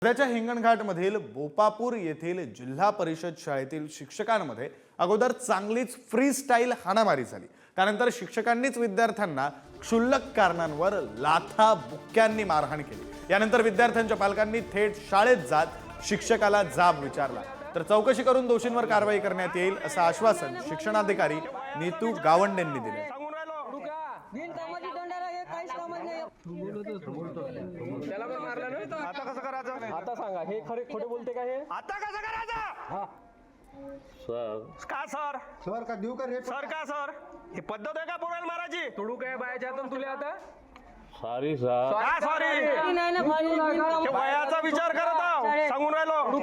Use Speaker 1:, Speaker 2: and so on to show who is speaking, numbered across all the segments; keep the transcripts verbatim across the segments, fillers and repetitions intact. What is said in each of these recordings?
Speaker 1: वर्ध्याच्या हिंगणघाटमधील बोपापूर येथील जिल्हा परिषद शाळेतील शिक्षकांमध्ये अगोदर चांगलीच फ्री स्टाईल हाणामारी झाली। त्यानंतर शिक्षकांनीच विद्यार्थ्यांना क्षुल्लक कारणांवर लाथा बुक्क्यांनी मारहाण केली। यानंतर विद्यार्थ्यांच्या पालकांनी थेट शाळेत जात शिक्षकाला जाब विचारला, तर चौकशी करून दोषींवर कारवाई करण्यात येईल असं आश्वासन शिक्षणाधिकारी नीतू गावंडेंनी दिले।
Speaker 2: त्याला पण मारलं ना, आता कसं करायचं? आता सांगा, हे खरे खोटे बोलते का? हे आता कसं करायचं? हा सर का सर
Speaker 3: सर का देऊ का रे?
Speaker 2: सर का सर ही पद्धत आहे का पोराला मारायची? तोडू काय बायाच्या हातून तुला आता?
Speaker 4: सॉरी सर
Speaker 2: का सॉरी? वयाचा विचार करत आहो, सांगून राहिलो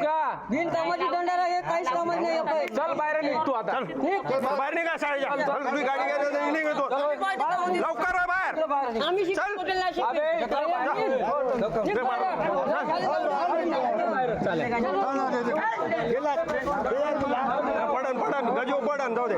Speaker 2: चल बाहेर निघ तू आता, बाहेर निघा शाळेच्या। चल तुम्ही गाडी घ्यायला निघ येतो, लवकर आहे बाहेर पडन पडन गजो पडन जाऊ दे।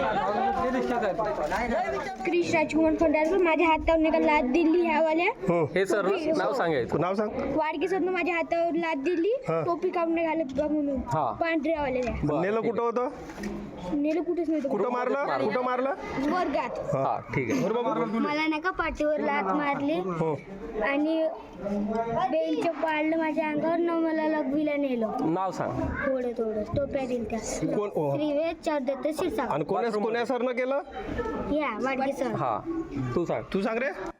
Speaker 5: क्रिश राजकुमार फंडारकर माझ्या हातावर निघाल लाद दिली ह्या वाल्या।
Speaker 2: हे सर नाव सांगायचं, नाव सांग।
Speaker 5: वाडकीसरनं माझ्या हातावर लाद दिली, टोपी काढून घालत बघ म्हणून पांढऱ्या वाल्या।
Speaker 2: नेलं कुठं होतं?
Speaker 5: नेलं कुठेच नव्हतं।
Speaker 2: कुठं मारलं? कुठं मारलं?
Speaker 5: वर्गात।
Speaker 2: हा ठीक आहे।
Speaker 5: मला नाही का पाठीवर लात मारली आणि बेलचं पाडलं माझ्या अंगावर न मला लघवीला नेलं।
Speaker 2: नाव सांग।
Speaker 5: थोडं थोडं टोप्या दिल त्या
Speaker 2: कोण?
Speaker 5: श्रीवेद चौदत्त शिरसाट।
Speaker 2: आणि कोण्या कोण्या सरनं केलं?
Speaker 5: या वाडकीसर।
Speaker 2: हा तू सांग, तू सांग रे।